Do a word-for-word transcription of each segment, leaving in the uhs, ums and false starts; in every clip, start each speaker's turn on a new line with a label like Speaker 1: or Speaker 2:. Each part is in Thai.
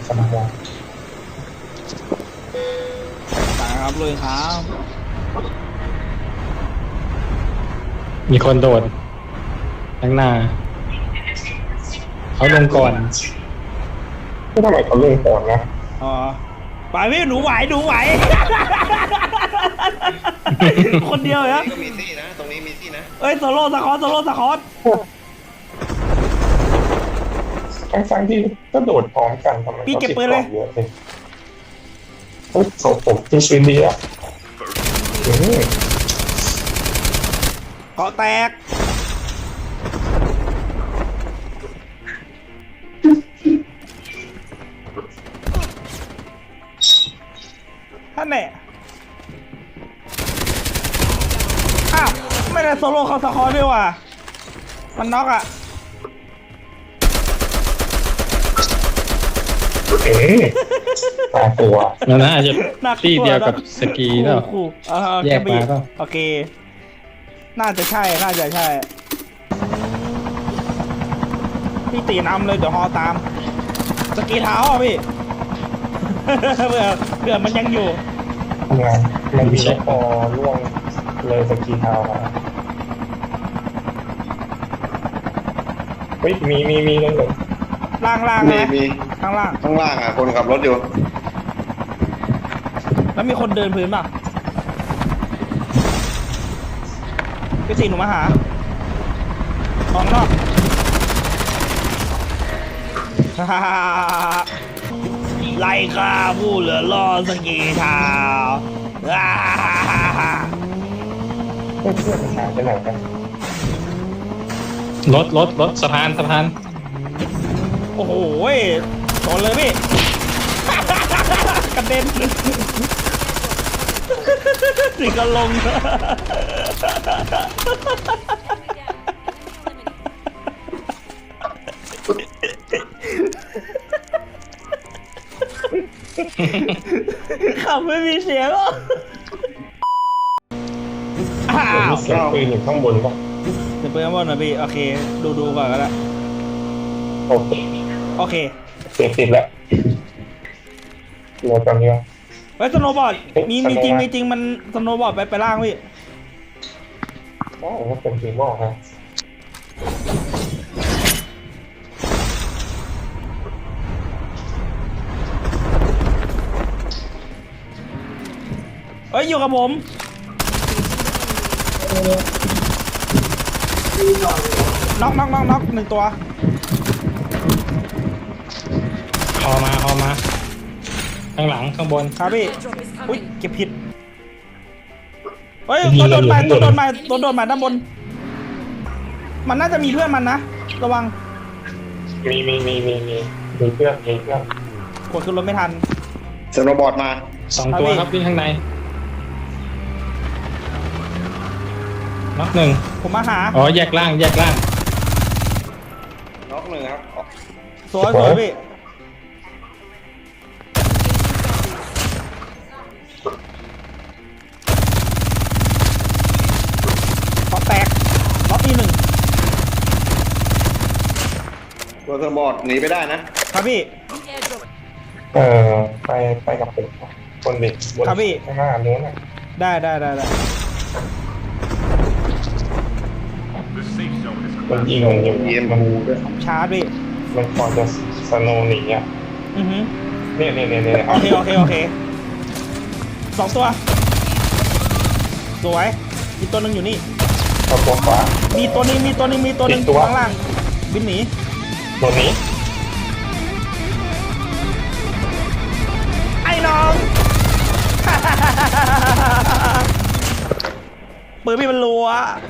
Speaker 1: สมอง
Speaker 2: ตายครับเลยครับ
Speaker 3: มีคนโดดข้างหน้าเขาลงก่อน
Speaker 1: ก็ทำไมเขาลงก่อนนะ
Speaker 2: อ๋อไปพี่หนูไหวหนูไหวคนเดียวเหรอ
Speaker 4: ก็มีซี่นะตรงนี้มีซี่นะ
Speaker 2: เอ้ยโซโล่สคอตโซโล่สคอต
Speaker 1: ทั้งๆที่ก็โดดพร้อมกันทำไมเขาติดต่อเยอะเลยโอ้โหผมจริงๆดีอ่ะ
Speaker 2: เกาะแตกท่านเนี่ยอ้าวไม่ได้โซโล่เขาสคอตด้วยว่ะมันน็อกอ่ะ
Speaker 1: เอ๊ะตาตัว
Speaker 3: นั่นน่าจะที่เดียวกับสกีแล้วแยกมาก็
Speaker 2: โอเคน่าจะใช่น่าจะใช่พี่ตีนำเลยเดี๋ยวฮอตามสกีเท้าอ่ะพี่เผื่อเผื่อมันยังอยู่
Speaker 1: ทำงานมันมีพอล่วงเลยสกีเท้ามาเฮ้ยมีมีมีเลย
Speaker 2: ล่างล่างนะข้างล่าง
Speaker 4: ข้างล่างอ่ะคนขับรถอยู่
Speaker 2: แล้วมีคนเดินพื้นป่ะพี่ตีหนูมาหาออกนอกไล่ข้าผู้เหลือรอสกีเท้า
Speaker 1: เพื่อนหายไปไหนกัน
Speaker 3: รถรถรถสะพานสะพาน
Speaker 2: โอ้โหชนเลยพี่กระเด็นสิกระลงขับไม่มีเสียงอ่ะอ้าว
Speaker 1: เสียงปืนอยู่ข้างบนป่ะ
Speaker 2: เสียงปืนข้างบนนะพี่โอเคดูดูก่อนก็ได้
Speaker 1: โอเค
Speaker 2: โอเค
Speaker 1: เสียงติดแล้วโหลดตอนนี้
Speaker 2: เฮ้ยสโนว์บอร์ดมีมีจริงมีจริงมันสโนว์บอร์ดไปไปล่างพี่
Speaker 1: อ๋อเป็นทีมบอกครับ
Speaker 2: เอ้ยอยู่กับผมน็อกน็อกน็อกน็อกหนึ่งตัว
Speaker 3: คอมาคอมาข้างหลังข้างบน
Speaker 2: ครับพี่อุ้ยเก็บผิดเฮ้ยตัวโดนมาตัวโดนมาตัวโดนมาด้านบนมันน่าจะมีเพื่อนมันนะระวัง
Speaker 1: มีมีมีมีมีมีเพื่อนมีเพื่อน
Speaker 2: กดขึ้นรถไม่ทัน
Speaker 4: สโนว์บอร์ดมา
Speaker 3: สองตัวครับวิ่งข้างในน็อกหนึ่ง
Speaker 2: ผมมาหา
Speaker 3: อ๋อแยกล่างแยกล่าง
Speaker 4: น็อกหนึ่งครับ
Speaker 2: สวยสวยพี่ขอแตกล็อกอีหนึ่ง
Speaker 4: ตัวสโนว์บอร์ดหนีไปได้นะครับ
Speaker 2: พี่
Speaker 1: เออไปไปกับผมคนเด็กบนข้างหน้านู้นน่ะ
Speaker 2: ได้ได้ได้ได้
Speaker 1: มันยิงมันยิงเยี่ยมมันด้วย
Speaker 2: ชาร์จพี่
Speaker 1: มันพอจะสโนว์หนีอ่ะ
Speaker 2: อือฮึ
Speaker 1: เนี่ยเนี่ยเนี่ยเนี่ย
Speaker 2: โอเคโอเคโอเคสองตัวสวยอีกตัวหนึ่งอยู่นี่
Speaker 1: ตัวตัวขวา
Speaker 2: มีตัวนี้มีตัวนี้มีตัวนึงข้างล่างบินหนี
Speaker 1: ตัวนี้
Speaker 2: ไอ้น้อง ปืนพี่มันรัว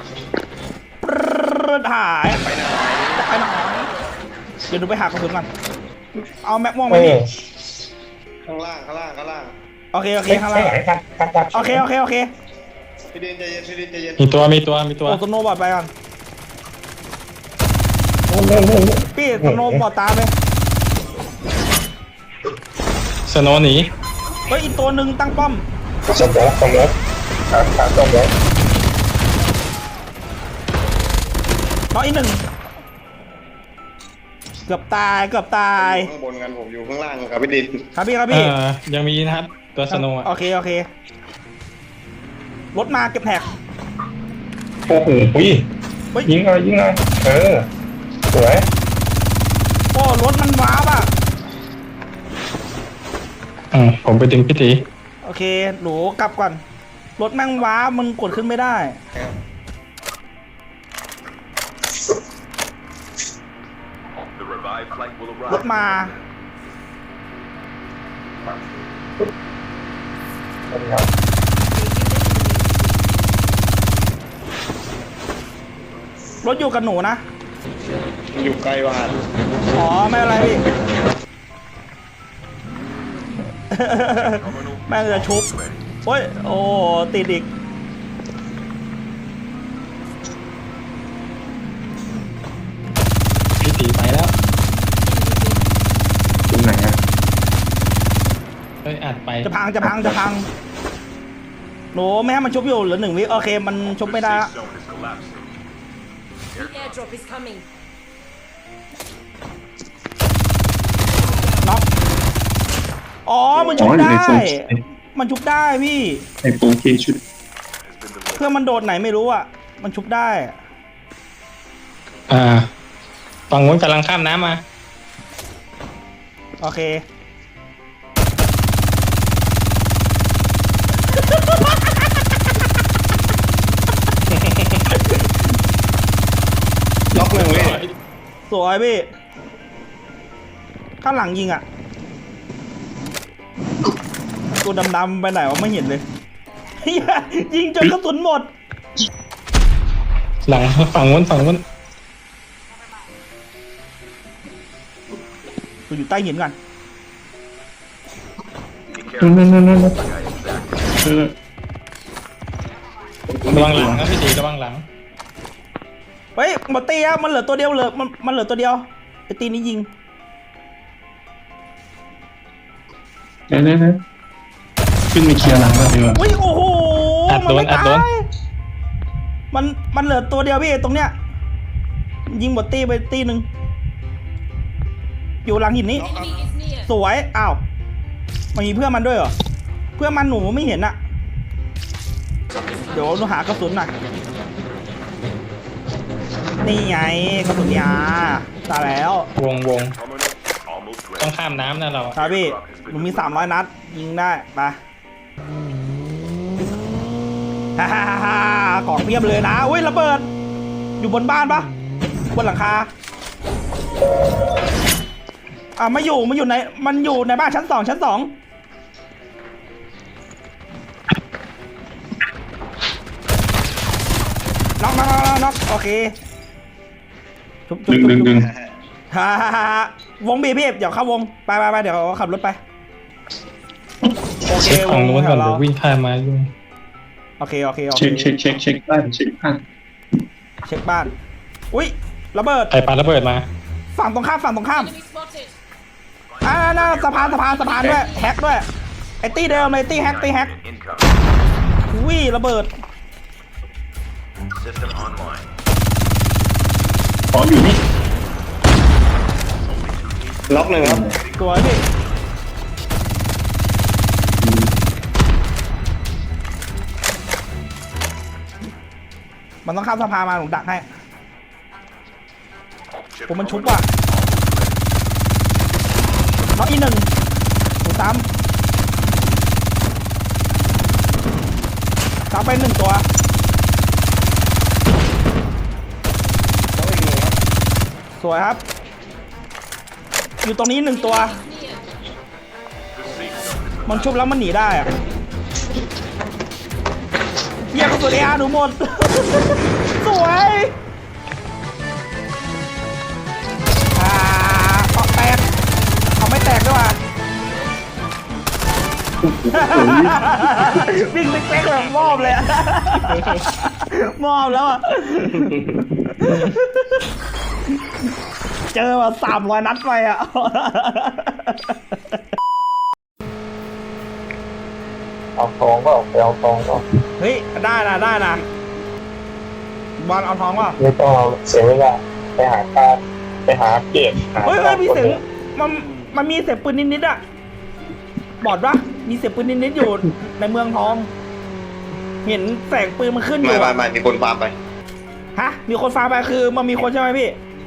Speaker 2: หายไปไหนไปไหนเดี๋ยวดูไปหากระสุนก่อนเอาแม็กม่วงไหมพี่
Speaker 4: ข้างล่างข้างล่างข้างล่าง
Speaker 2: โอเคโอเคข้างล่างโอเคโอเคโอเค
Speaker 4: พี่เดนใจเย็นพี่เดนใจเย็น
Speaker 3: มีตัวมีตัวมีตัว
Speaker 2: โอ้สโนว์บอร์ดไปก่อนพี่สโนว์บอร์ดตามเลย
Speaker 3: สโนว์หนี
Speaker 2: เฮ้ยอีกตัวหนึ่งตั้งป้อม
Speaker 1: สมองสมองขาขาสมอง
Speaker 2: น้องอีกหนึ่งเกือบตายเกือบตาย
Speaker 4: ข้างบนกันผมอยู่ข้างล่างครับพี่ดิน
Speaker 2: ครับพี่ครับ
Speaker 3: เอ
Speaker 2: พี่
Speaker 3: อยังมีนะครับตัวสโนว์อะ
Speaker 2: โอเคโอเครถมาเก็บแท็ก
Speaker 1: โอ้โหอุ้ย
Speaker 2: เฮ้ย
Speaker 1: ยิงเลยยิงเลยเออสวย
Speaker 2: โอ้รถมันว้าบอ่ะ
Speaker 3: อืมผมไปดึงพี่ตี
Speaker 2: โอเคหนูกลับก่อนรถแม่งว้ามันกดขึ้นไม่ได้
Speaker 5: The revived flight will
Speaker 2: รถ
Speaker 5: arrive.
Speaker 2: มา
Speaker 1: สวัสดีครับ
Speaker 2: รถอยู่กับหนูนะ
Speaker 4: มันอยู่ไกลว่ะ
Speaker 2: อ๋อไม่เป็นไรพี่ แม่งจะชุบโอ้ยโอ้ติดอีก
Speaker 3: พี่ตีไปแล้ว
Speaker 1: ตรงไหนอ่ะ
Speaker 3: เฮ้ยอัดไป
Speaker 2: จะพังจะพังจะพังหนูไม่ให้มันชุบอยู่เหลือหนึ่งวิโอเคมันชุบไม่ได้
Speaker 5: The
Speaker 2: ละ
Speaker 5: safe zone is collapsing.
Speaker 6: The airdrop is coming.
Speaker 2: น็อกอ๋อมันชุบได้ มันชุบได้พี่
Speaker 1: ไอโฟนเคชุด
Speaker 2: เพื่อนมันโดดไหนไม่รู้อ่ะ มันชุบได้
Speaker 3: อ่าฝั่งนู้นกำลังข้ามน้ำมา
Speaker 2: โอเค
Speaker 4: ล็อกหนึ่งพี่
Speaker 2: สวยพี่ ข้างหลังยิงอ่ะ ตัวดำๆไปไหนวะไม่เห็นเลย เหี้ยยิงจนกระสุนหมด
Speaker 3: หลังฝั่งนู้นฝั่งนู้น
Speaker 2: กูอยู่ใต้หินก่อน
Speaker 1: นั่นนั่นนั่นนั่น
Speaker 3: ระวังหลังนะพี่ตีระวังหลัง
Speaker 2: เฮ้ยหมดตีอะมันเหลือตัวเดียวเหลือมันมันเหลือตัวเดียวไอตีนี้ยิง
Speaker 1: นั่นนั่นนั่นขึ้นไปเคลียร์หลังแล้วดีกว่า
Speaker 2: อุ้ยโอ้โห
Speaker 3: อัด
Speaker 2: มั
Speaker 3: โดน
Speaker 2: ไม่
Speaker 3: อัด
Speaker 2: ตา
Speaker 3: โดน
Speaker 2: ยมันมันเหลือตัวเดียวพี่ตรงเนี้ย ยิงหมดตีไปตีหนึ่งอยู่หลังหินนี้
Speaker 6: Enemy is near.
Speaker 2: สวย อ้าว มันมีเพื่อนมันด้วยเหรอ เพื่อนมันหนูไม่เห็นอะเดี๋ยวหนูหากระสุนหน่อย นี่ไงกระสุนยาตายแล้ว
Speaker 3: วงวง
Speaker 5: Terminal almost
Speaker 3: ต้อง
Speaker 5: ready.
Speaker 3: ข้ามน้ำนะเรา
Speaker 2: ครับพี่ หนูมีสามร้อยนัด ยิงได้ ไปฮ่าฮ่าฮ่าฮ่าของเพียบเลยนะอุ้ยระเบิด อยู่บนบ้านปะบนหลังคา อ่ะมาอยู่มาอยู่ในมันอยู่ในบ้านชั้นสองชั้นสองน็อกน็อกน็อกน็อกโอเคชุบชุบ
Speaker 1: ดึง
Speaker 2: ชุบ
Speaker 1: ดึงดึง
Speaker 2: ฮ่าฮ่าฮ่าวงบีพี่เดี๋ยวเข้าวงไปไปไปเดี๋ยวขับรถไปโอเค
Speaker 3: เช็คว ฝั่ง
Speaker 2: ง
Speaker 3: นู้น
Speaker 2: แถ
Speaker 3: ก่อน
Speaker 2: วเรา
Speaker 3: เดี๋ยววิ่งข้ามมายุ่ง
Speaker 2: โอเคโอเคโอเค
Speaker 1: เช็คเช็คเช็คเช็คบ้านเช็คบ้าน
Speaker 2: เช็คบ้านอุ้ยระเบิด
Speaker 3: ใครปาระเบิดมา
Speaker 2: ฝั่งตรงข้ามฝั่งตรงข้าม
Speaker 6: Enemy spotted.
Speaker 2: อ่าน่าสะพานสะพานสะพานด้วยแฮกด้วยไอ้ตี้เดิมเลยตี้แฮกตี้แฮก
Speaker 5: Incoming.
Speaker 2: อุ้ยระเบิด
Speaker 5: System online.
Speaker 1: ขออยู่นี่
Speaker 4: ล็อกหนึ่งครับ
Speaker 2: สวยพี่มันต้องข้ามสะพานมาหนูดักให้ผมมันชุบว่ะน็อกอีกหนึ่งหนูซ้ำซ้ำไปหนึ่งตัว
Speaker 4: ล็อกอีกหนึ่งครับ
Speaker 2: สวยครับ อยู่ตรงนี้หนึ่งตัว
Speaker 6: Near.
Speaker 5: The safe zone is
Speaker 2: มันชุบแล้วมันหนีได้อะเยี่ยมกระสุนเออาร์หนูหมด สวยอ่าออกแตกเอาไม่แตกด้วยว่ะ วิ่งเป๊กๆแบบมอบเลยอะ มอบแล้วอ่ะ เจอมาสามร้อยนัดไปอ่ะ
Speaker 1: เอาทองก็ไปเอาทองก็
Speaker 2: เฮ้ย ได้นะได้นะบอลเอาทองเปล่า
Speaker 1: ไม่ต้องเอาเสียเวลาไปหาค่าไปหาเก็บหา
Speaker 2: เฮ้ยเฮ้ยมีเสียง
Speaker 1: คน
Speaker 2: มันมันมีเสียงปืนนิดๆอะบอดปะมีเสียงปืนนิดๆอยู่ในเมืองทอง เห็นแสงปืนมันขึ้นอ
Speaker 4: ไม่
Speaker 2: ยู่
Speaker 4: ไม่
Speaker 2: อะ
Speaker 4: ไม่มีคนฟาร์มไป
Speaker 2: ฮะมีคนฟังไปคือมันมีคนใช่ไหมพี่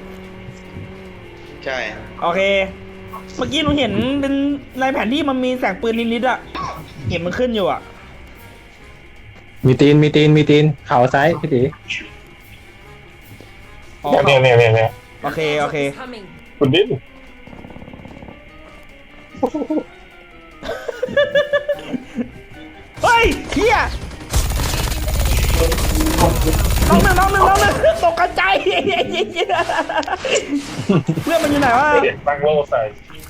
Speaker 4: ใช่
Speaker 2: โอเค เมื่อกี้หนูเห็นเป็นในแผนที่มันมีแสงปืนนิดๆอะเห็นมันขึ้นอยู่อะ
Speaker 3: มีตีนมีตีนมีตีนเข่าซ้ายพี่ตี
Speaker 2: อ๋อ
Speaker 1: เนี่ยเนี่ยเนี่ยเนี่ย
Speaker 2: โอเคโอเค
Speaker 6: Is coming.
Speaker 1: คุณดิ้น
Speaker 2: เฮ้ยเฮียน้องหนึ่งน้องหนึ่งน้องหนึ่งตกกระจายเพื่อนมันอยู่ไหนวะ
Speaker 1: เด็กตั้งโล่ใส่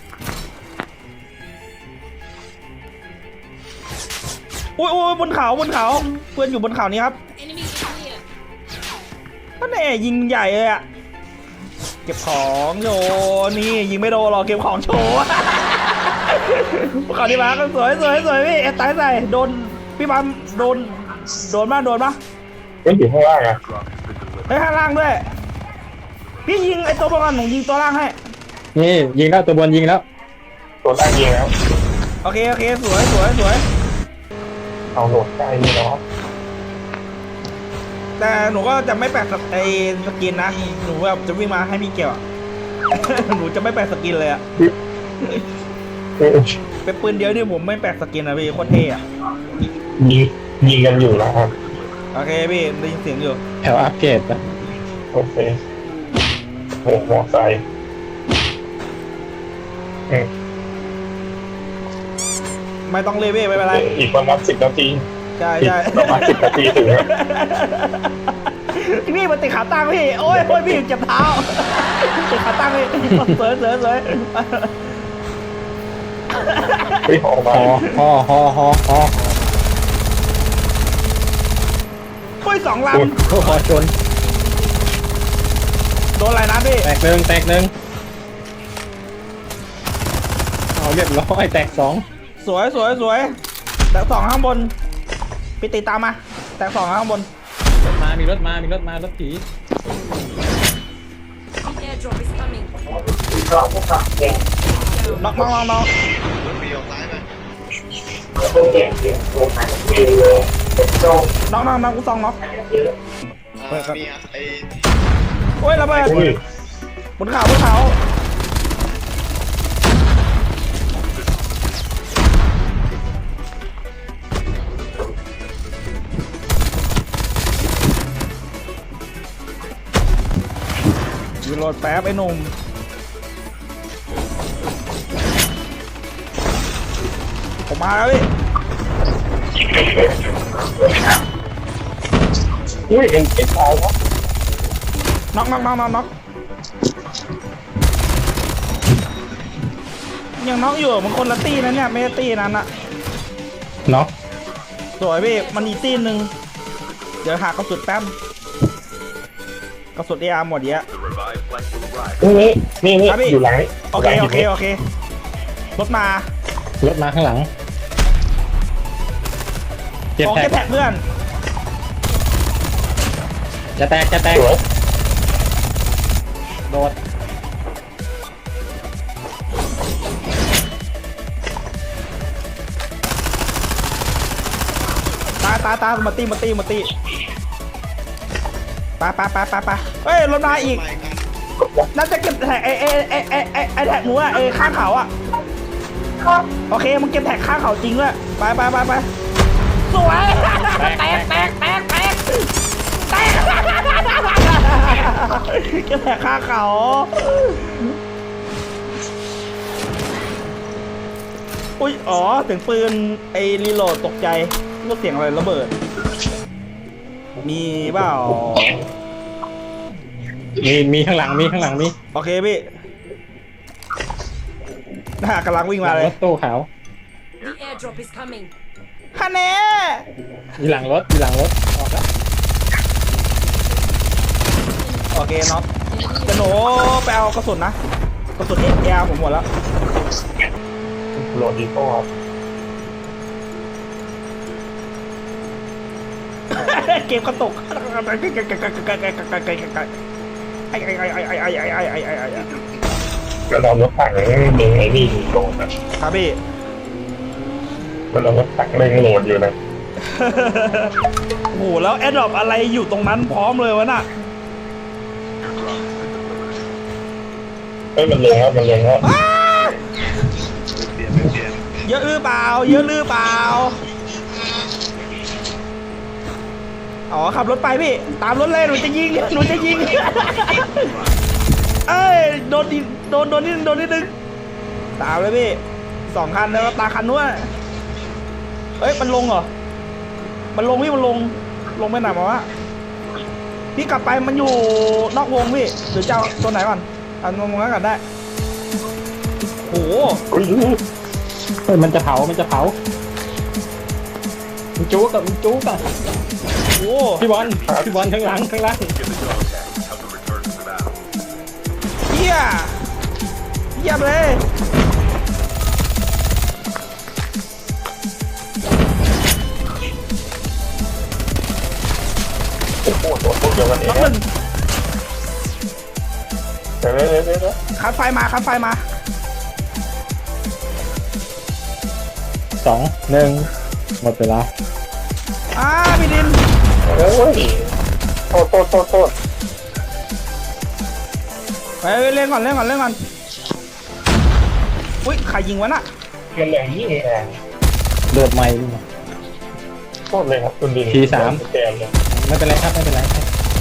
Speaker 2: อุ้ยอุ้ยบนเขาบนเขาเพื่อนอยู่บนเขานี้ครับ
Speaker 6: Enemies in here.
Speaker 2: ก็แน่ยิงใหญ่เลยอะเก็บของโยนี่ยิงไม่โดนหรอกเก็บของโชว์ขอดีมาก็สวยสวยสวยพี่เอ็ดตายใส่โดนพี่บัมโดนโดนบ้างโดนบ้าง
Speaker 1: ไม่อยู่ข้างล่างอ่ะ
Speaker 2: ไอ้ยข้างล่างด้วยพี่ยิงไอ้ตัวบนหนูยิงตัวล่างให้
Speaker 3: นี่ยิงแล้วตัวบนยิงแล้ว
Speaker 1: ตัวล่างยิงแล้ว
Speaker 2: โอเคโอเคสวยสวยสวย
Speaker 1: เอาโหลดใกล้นี่แล้ว
Speaker 2: แต่หนูก็จะไม่แปะไอ้สกินนะหนูแบบจะวิ่งมาให้พี่เกี่ยวอะ หนูจะไม่แปะสกินเลยอะ
Speaker 1: เออ
Speaker 2: เป็นปืนเดียวนี่ผมไม่แปะสกินนะพี่โคตรเท่อะ
Speaker 1: ยิงยิงกันอยู่แล้วครับ
Speaker 2: โอเคพี่ได้ยินเสียงอยู่
Speaker 3: แถวอัปเกรดปะ
Speaker 1: โอเคโหมอไซค์เออ
Speaker 2: ไม่ต้องเลยพี่ไม่เป็นไร
Speaker 1: อีกประมาณสิบนาที
Speaker 2: ใช่
Speaker 1: อีก
Speaker 2: ใช่
Speaker 1: ประมาณสิบนาทีถึงแล้ว
Speaker 2: พี่มันติดขาตั้งพี่โอ้ยโอ้ยพี่เจ็บเท้าติดขาตั้งพี่สวยสวยสวย
Speaker 1: เฮ้ยออกมา
Speaker 3: ฮอฮอฮอฮอฮอ
Speaker 2: โอ้ยสองล
Speaker 3: โอ้ฮอชน
Speaker 2: ำโดนอะไรนะพี่
Speaker 3: แตกหนึ่งแตกหนึ่งเอาเรียบร้อยแตกสอง
Speaker 2: สวยสวยสวยแต่สองข้างบนพี่ติดตามมาแต่สองข้างบน
Speaker 3: รถมามีรถมามีรถมารถผี
Speaker 6: The airdrop is coming.
Speaker 2: น็อกน็อกน็อกน็อก
Speaker 4: รถปีออกซ้ายไหม
Speaker 2: น็อกน็อกน็อกกูสองน็อก
Speaker 4: อ่ามีอ่ะไอ้
Speaker 2: โอ้ยระเบิด
Speaker 1: อุ้ย
Speaker 2: บนเขาบนเขารีโหลดแป๊บไอ้หนุ่มผมมาแล้วพี่
Speaker 1: อุ้ยเอ็นเอ็นตายแล้ว
Speaker 2: น็อกน็อกน็อกน็อกน็อกยังน็อกอยู่มันคนละตี้นะเนี่ยไม่ใช่ตี้นั้นอะ
Speaker 3: น็อก
Speaker 2: สวยพี่มันอีกตี้หนึ่งเดี๋ยวหากระสุนแป๊บกระสุนเออาร์หมดเยอะ
Speaker 5: The revived flight will arrive.
Speaker 1: นี่นี่นี่
Speaker 2: ครับพี่
Speaker 1: อยู่หลังนี้
Speaker 2: โอเค
Speaker 1: หลัง
Speaker 2: โอ
Speaker 1: หิน
Speaker 2: เค
Speaker 1: นี้
Speaker 2: โอเครถมาร
Speaker 3: ถมาข้างหลังเจ็บ
Speaker 2: โอ
Speaker 3: แต
Speaker 2: เค
Speaker 3: ก
Speaker 2: แท็กเพื่อน
Speaker 3: จะแตกจะแตก
Speaker 1: สวย
Speaker 3: โดด
Speaker 2: ตายตายตายมาตีมาตีมาตีไปไปไปไปไปเฮ้ยรถมาอีก
Speaker 4: ไปกัน
Speaker 2: น่าจะเก็บแท็กไอไอไอไอไอไอแท็กหนูอะไอข้างเขาอะโอเคมึงเก็บแท็กข้างเขาจริงด้วยไปไปไปไปสวยแตกแตกแตกแตกแตกแตกเก็บแท็กข้างเขาอุ้ยอ๋อเสียงปืนไอรีโหลดตกใจนึกเสียงอะไรระเบิดมีเปล่า
Speaker 3: มีมีข้างหลังมีข้างหลังมี
Speaker 2: โอเคพี่น่ากำลังวิ่งมาเล
Speaker 3: ร
Speaker 2: ย
Speaker 3: ถตู้ขาว
Speaker 6: The airdrop is coming.
Speaker 2: คะแนน
Speaker 3: มีหลังรถมีหลังรถออกแล้ว
Speaker 2: โอเคน็อตจะหนูไปเอากระสุนนะ กระสุนเออาร์ผมหมดแล้ว
Speaker 1: โหลดอีโก้ครับ
Speaker 2: เกมกระตุก ไออ้ไอ้ไอ้ไอ้ไอ้ไอ้ไอ้ไอ้ไอ้ไอ้ไอ้
Speaker 1: แล้วเรารถถังเล็งไอ้นี่โหลดนะครับ
Speaker 2: พี่
Speaker 1: แล้วเรารถถังเล็งโหลดอยู่นะ
Speaker 2: โอ้โหแล้วแอดดอปอะไรอยู่ตรงนั้นพร้อมเลยวะน่ะ
Speaker 1: เฮ้ยมันลงแล้วมันลงแล้ว
Speaker 2: อ้า
Speaker 4: เปลี่ยนไม่เปลี่ยน
Speaker 2: เยอะหรือเปล่าเยอะหรือเปล่าอ๋อขับรถไปพี่ตามรถเลยหนูจะยิงหนูจะยิง เอ้ยโดนดิโดนโดนนิดโดนนิดนึงตามเลยพี่สองคันแล้วตาคันนู้นเอ้ยมันลงเหรอมันลงพี่มันลงลงไปไหนมาวะพี่กลับไปมันอยู่นอกวงพี่หรือเจ้าตัวไหนก่อนเอางงๆกันได้โอ้โห
Speaker 1: อุ้ย
Speaker 3: เฮ้ยมันจะเผามันจะเผามันจุกกับมันจุกอะ
Speaker 2: โอ้โห
Speaker 3: พี่บอลพี่บอลข้างหลังข้างหลัง
Speaker 5: Give the dog tags. Help them return to the battle.
Speaker 2: เฮียเยี่ยมเลย
Speaker 1: โอ้โหตัวพวกเดียวกันเอ
Speaker 2: น้อง งหนึ่ง
Speaker 1: เดี๋ยวเดี๋ยวเดี๋ยวเดี๋ยว
Speaker 2: คัดไฟมาคัดไฟมา
Speaker 3: สองหนึ่งหมดเวลา
Speaker 2: อ่าพี่ดิน
Speaker 1: โอ้ยโทษโทษโทษโทษ
Speaker 2: ไปเล่นก่อนเล่นก่อนเล่นก่อนอุ้ยใครยิงวะน่ะ
Speaker 1: มันแรงยิ่งแรง
Speaker 3: เลือดไหม
Speaker 1: โทษเลยครับคุณดิน
Speaker 3: ทีสาม
Speaker 1: แกมเลย
Speaker 3: ไม่เป็นไรครับไม่เป็นไรครับ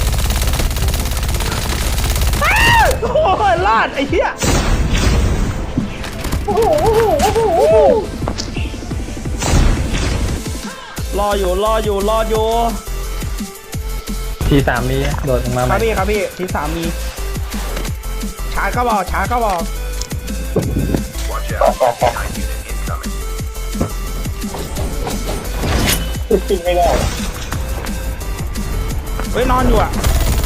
Speaker 2: โอ้ยรอดไอ้เหี้ยรออยู่รออยู่รออยู่
Speaker 3: ทีสามมีโดดลงมา
Speaker 2: ค
Speaker 3: ให
Speaker 2: รั
Speaker 3: ม่
Speaker 2: บพี่ครับพี่ที่สามมีชาร์จก็บอกชาร์จก็บอก
Speaker 5: Watch
Speaker 1: ต่อ
Speaker 5: out.
Speaker 1: ต่อต่อ
Speaker 5: Nine unit incoming.
Speaker 1: ขึ้นไม่ได้
Speaker 2: เฮ้ยนอนอยู่อะ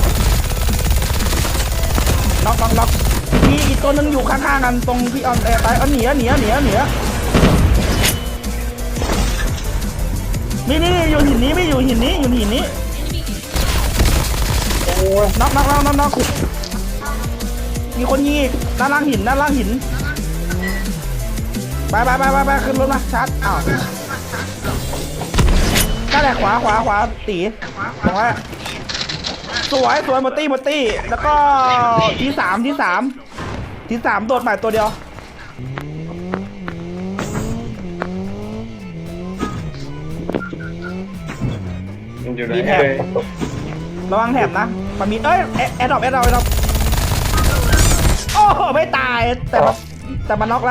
Speaker 2: น็อกน็อกน็อกมีอีกตัวนึงอยู่ข้างๆกันตรงที่ออนแอร์ไปเอาหนีอะหนีอะหนีอะหนีอะนี่นี่อยู่หินนี้ไม่อยู่หินนี้อยู่หินนี้น็อกน็อกน็อกน็อกน็อกมีคนยิงอีกด้านล่างหินด้านล่างหินไปไปไปไปไปขึ้นรถมาชาร์จอ้าวนั่นแหละขวาขวาขวาตีตรงนั้นสวยสวยหมดตี้หมดตี้แล้วก็ที่สามที่สามที่สามโดดใหม่ตัวเดียว
Speaker 1: มันอยู่ไหน
Speaker 2: มีแถบ ระวังแถบนะมันมีเอ้ยแอดดอปแอดดอปแอดดอปโอ้โหไม่ตายแต่มันแต่มันน็อกแล้ว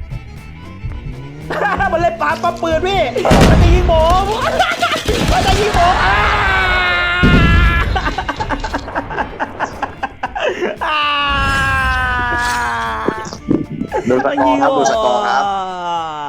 Speaker 2: มันเล่นปาปั๊มปืนพี่มันจะยิงผมมันจะยิงผมอ่าอ่า
Speaker 4: ดูสกอร์ครับดูสกอร์ครับ
Speaker 2: มันยิงผม